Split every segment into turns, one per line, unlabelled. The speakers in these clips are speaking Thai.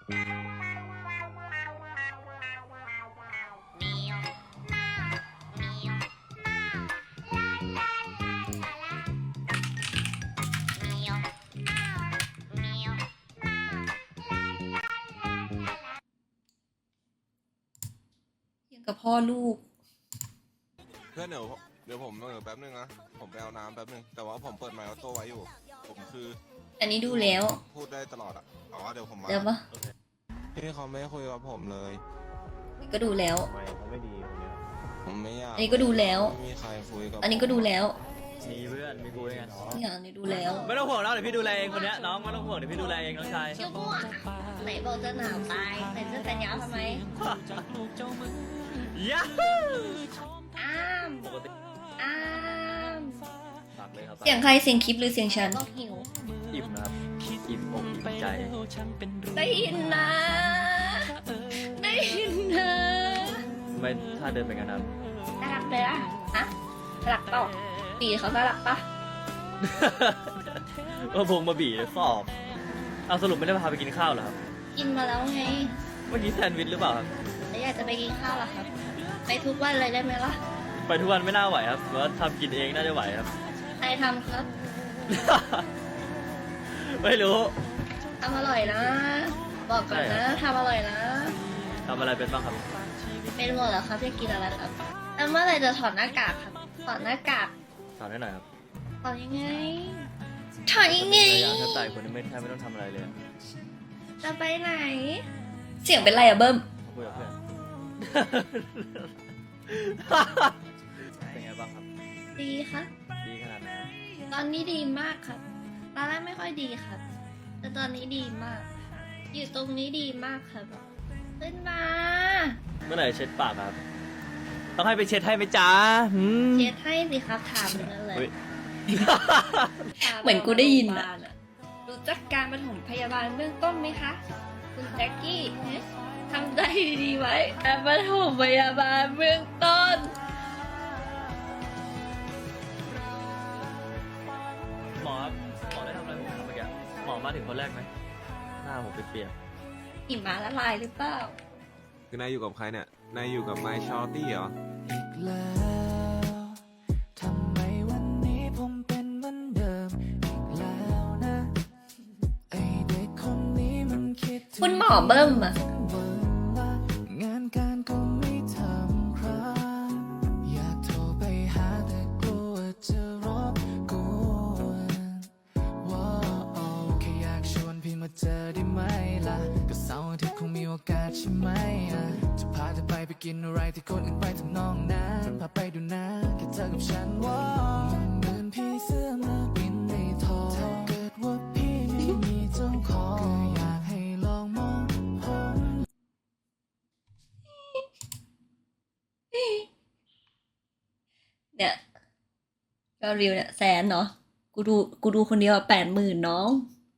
ยังกับพ่อลูก
เพื่อนเดี๋ยวผมแป๊บนึงนะผมไปเอาน้ำแป๊บนึงแต่ว่าผมเปิดไมค์ออโต้ไว้อยู่ผมคือ
อันนี้ดูแล้ว
พูดได้ตลอดอ่ะอ๋อเดี๋ยวผมมา
เดี๋ยวปะ
พี่เขาไม่คุยกับผมเลย
ก็ดูแล้ว
ทำไมเขาไม่ดีคนเนี้ย
ผมไม่อยาก
อันนี้ก็ดูแล้ว
ไม่มีใครคุยกับ
อันนี้ก็ดูแล้ว
มีเพื่อนมีคุยกัน
นี่อันนี้ดูแล้ว
ไม่ต้องห่วงแล้วเดี๋ยวพี่ดูแลเองคนเนี้ยน้องไม่ต้องห่วงเดี๋ยวพี่ดูแลเองน้องชาย
เชี่ยวมั่วไหนบอกจะหนาวตายใส่เสื้อแขนยาวทำไม
ยะ
อ้าม
ปกติ
อ้าม
ฝากเลยครับ
เสียงใครเสียงคลิปหรือเสียงฉันก็หิว
อิ่มนะครับอิ่มอกอิ่มใจ
ได้ยินนะ ได้ยินนะ
ไม่ถ้าเดินไปกันนะ
น่ารักเลยอะฮะน่ารักเปล่าปีเขาน่ารักปะ
ว่าพงมาบีสอบเอาสรุปไม่ได้พาไปกินข้าวเหรอครับ
กินมาแล้วไง
เมื่อกี้แซนด์วิชหรือเปล่าครับ
แล้วอยากจะไปกินข้าวเหรอครับ ไปทุกวันเลยได้ไหมล่ะ
ไปทุกวันไม่น่าไหวครับเพราะว่าทำกินเองน่าจะไหวครับ
ใครทำครับ
ไม่รู้
ทำอร่อยนะ บอกก่อนนะทำอร่อยนะ
ทำอะไรเป็นบ้างครับ
เป็นหมดเหรอครับจะกินอะไรครับแล้วเมื่อไหรจะถอดหน้ากากครับ ถอดหน้ากาก
สอนให้หน่อยครับ
ถอดยังไง ถอดยังไง
อยากถ้าตายคนนี้ไม่แทบไม่ต้องทำอะไรเลยอะ
จะไปไหน เสียงเป็นไรอะเบิ้ม
คุยกับเพื่อน เป็นไงบ้างครับ
ดีครับ
ดีขนาดไหนครับ
ตอนนี้ดีมากครับ ตอนแรกไม่ค่อยดีครับ แต่ตอนนี้ดีมาก อยู่ตรงนี้ดีมากครับ ขึ้นมา
เมื่อไหร่เช็ดปากครับ ต้องให้ไปเช็ดให้ไหมจ๊ะหืม
เช็ดให้สิครับถามอย่างนั้นเลย
อุ๊ย
เหมือนกูได้ยินอะรู้จักการปฐมพยาบาลเบื้องต้นไหมคะ คุณแจ็คกี้เอ๊ะทำได้ดีๆไว้การปฐมพยาบาลเบื้องต้น
หมอครับหมอได้ทำอะไรผมครับเมื่อกี้หมอมาถึงคนแรกไหมหน้าผมเปียก
หิมะละลายหรือเปล่า
คือนายอยู่กับใครเนี่ยนายอยู่กับไมค์ชอร์ตี้เหรอ
อีกแล้วทำไมวันนี้ผมเป็นเหมือนเดิมอีกแล้วนะไอเด็กคนนี้มันคิดถึง
คุณหมอเบิ้มอะ
วันละงานการก็ไม่ทำครับอยากโทรไปหาแต่กลัวจะรบกวนว้าวแค่อยากชวนพี่มาเจอได้ไหมล่ะก็เสาร์อาทิตย์คงมีโอกาสใช่ไหมอะจะพาเธอไปกินอะไรที่คนอื่นไปทำนองนั้นพาไปดูนะแค่เธอกับฉันว้าวมันเหมือนพี่เสื้อมาบินในท้องถ้าเกิดว่าพี่ไม่มีเจ้าของก็อยากให้ลองมองผม
เนี่ยยอดวิวเนี่ย100,000เนาะกูดูคนเดียว80,000น้อง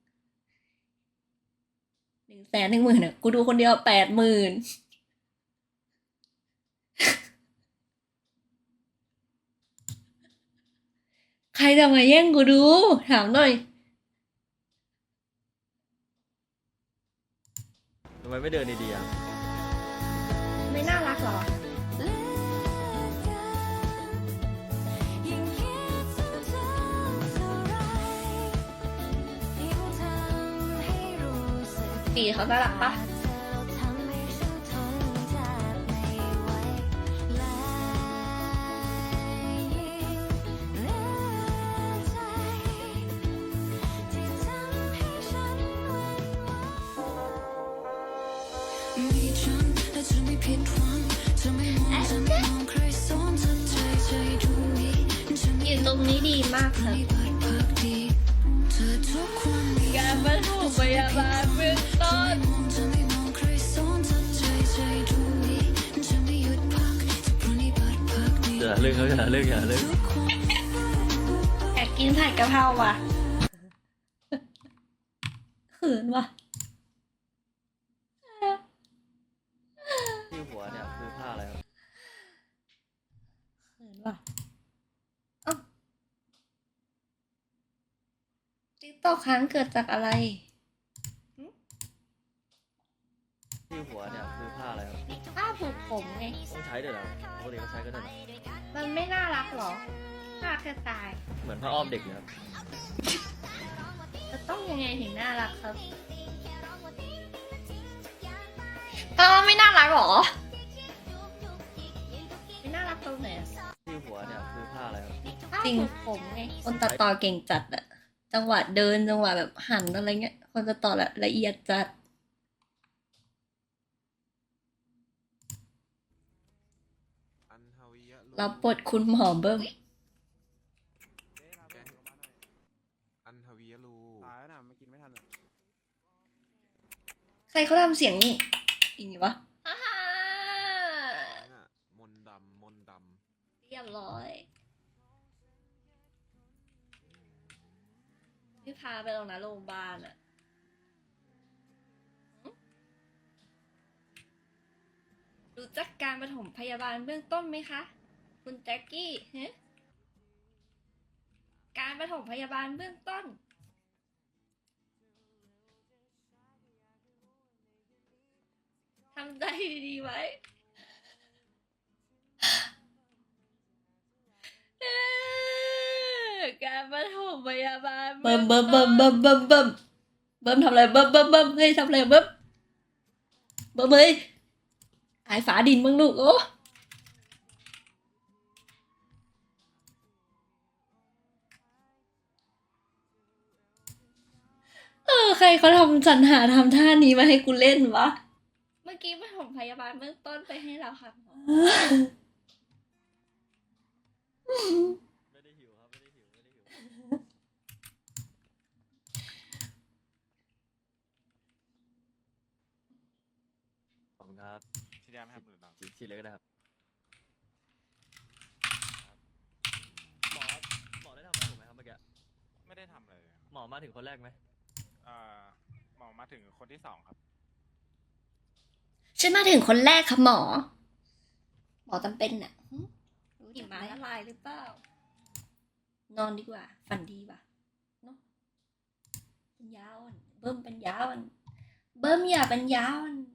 110,000เนี่ยกูดูคนเดียว80,000ใครจะมาแย่งกูดู ถามหน่อย
ทำไมไม่เดินดีๆอ่ะ
ไม่น่ารักหรอ ปีเขาน่ารักปะอยู่ตรงนี้ดีมากครับการปฐมพยาบาลเบื้องต้น
อย่าเลิกเขาอย่าเลิกอย่าเลิก
อยากกินผัดกะเพราว่ะเขินว่ะ
ที่หัวเนี่ยคือผ้าอะไรครับ
เขินว่ะเอ้าติ๊กตอกค้างเกิดจากอะไรหึ
หัวเนี่ยคือผ้าอะไรครับ
ผ้าผูกผมไง
ต้องใช้ด้วยเหรอปกติเขาใช้กันด้วยเหรอ
มันไม่น่ารักหรอน่าแค่ตาย
เหมือนผ้าอ้อมเด็กเลยครับ
จะต้องยังไงถึงน่ารักครับไม่น่ารักหรอ ไม่น่ารักตรงไหนอะ
ที่หัวเนี่ยคือผ้าอะไรครับ
จริงผมไงคนตัดต่อเก่งจัดอะจังหวะเดินจังหวะแบบหันอะไรเงี้ยคนตัดต่อละเอียดจัด
อันทวียะลู
รับบทคุณหมอเบิ้ม
อันทวียะลู
ตายแล้วนะมากินไม่ทันเลย
ใครเขาทำเสียงนี่อีกวะ
น่ะมนต์ดำมนต์ด
เรียบร้อยพี่พาไปตรงนั้นโรงพยาบาลอะรู้จักการปฐมพยาบาลเบื้องต้นไหมคะ คุณแจ็คกี้ฮะการปฐมพยาบาลเบื้องต้นทำใจดีๆไว้ การปฐมพยาบาล
เบิ่มทำอะไรเบิ่มเฮ้ยทำอะไรเบิ่มเฮ้ยหายฝาดินมึงลูกโอ้ใครเขาทำสรรหาทำท่านี้มาให้กูเล่นวะ
เมื่อกี้ปฐมพยาบาลเบื้องต้นไปให้เราค่ะหมอ
ไม่ได้หิวครับไม่ได้หิวขอบคุณครับ
ที่แดมครับหรือเปล่า
ฉีดเลยก็ได้ครับหมอได้ทำอะไรผมไหมครับเมื่อกี้
ไม่ได้ทำเลย
หมอมาถึงคนแรกไหม
หมอมาถึงคนที่สองครับ
ฉันมาถึงคนแรกค่ะหมอ หมอจำเป็นน่ะ
รู้หิมะละลายหรือเปล่า
นอนดีกว่า ฝันดีว่ะเนาะเป็นยาอ่อนเบิ้มเป็นยาอ่อนเบิ้มอย่าเป็นยาอ่อน